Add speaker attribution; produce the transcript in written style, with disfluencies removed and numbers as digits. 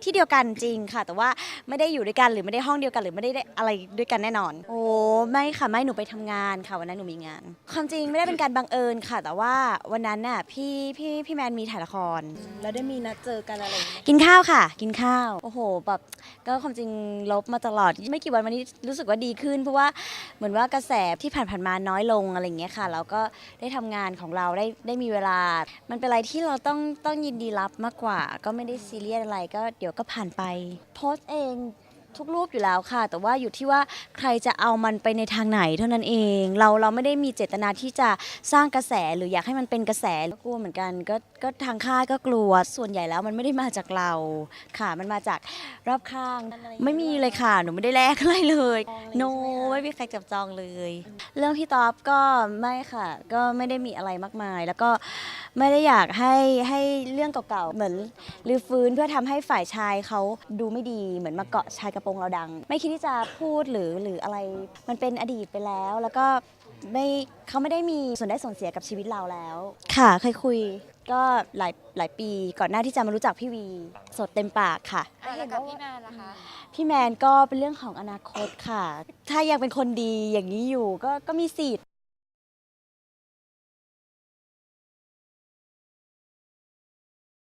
Speaker 1: ที่เดียวกันจริงค่ะแต่ว่าไม่ได้อยู่ด้วยกันหรือไม่ได้ห้องเดียวกันหรือไม่ได้อะไรด้วยกันแน่นอนโอ้ไม่ค่ะไม่หนูไปทำงานค่ะวันนั้นหนูมีงานความจริงไม่ได้เป็นการบังเอิญค่ะแต่ว่าวันนั้นน่ะพี่แมนมีถ่ายละคร
Speaker 2: แล้วได้มีนัดเจอกันอะไรอย่างเงี้ย
Speaker 1: กินข้าวค่ะกินข้าวโอ้โหแบบก็ความจริงลบมาตลอดไม่กี่วันวันนี้รู้สึกว่าดีขึ้นเพราะว่าเหมือนว่ากระแสที่ผ่านๆมาน้อยลงอะไรอย่างเงี้ยค่ะแล้วก็ได้ทำงานของเราได้มีเวลา มันเป็นอะไรที่เราต้องยินดีรับมากกว่า ก็ไม่ได้ซีเรียสอะไรก็เดี๋ยวก็ผ่านไปโพสต์เองทุกรูปอยู่แล้วค่ะ แต่ว่าอยู่ที่ว่าใครจะเอามันไปในทางไหนเท่านั้นเองเราไม่ได้มีเจตนาที่จะสร้างกระแสหรืออยากให้มันเป็นกระแสก็กลัวเหมือนกันก็ทางค่ายก็กลัวส่วนใหญ่แล้วมันไม่ได้มาจากเราค่ะมันมาจากรอบข้างไม่มีเลยค่ะหนูไม่ได้แลกอะไรเลยโนไม่มีใครจับจองเลย เรื่องพี่ต๊อบก็ไม่ค่ะ ก็ไม่ได้มีอะไรมากมาย แล้วก็ไม่ได้อยากให้เรื่องเก่าๆเหมือนรื้อฟื้นเพื่อทำให้ฝ่ายชายเขาดูไม่ดีเหมือนมาเกาะชายกระโปรงเราดัง ไม่คิดที่จะพูดหรืออะไรมันเป็นอดีตไปแล้ว แล้วก็ไม่เขาไม่ได้มีส่วนได้ส่วนเสียกับชีวิตเราแล้ว ค่ะเคยคุยก็หลายปีก่อนหน้าที่จะมารู้จักพี่วีสดเต็มปากค่ะ
Speaker 3: แล้วกับพี่แมนล่ะคะ
Speaker 1: พี่แมนก็เป็นเรื่องของอนาคตค่ะ ถ้ายังเป็นคนดีอย่างนี้อยู่ก็มีสิทธิ์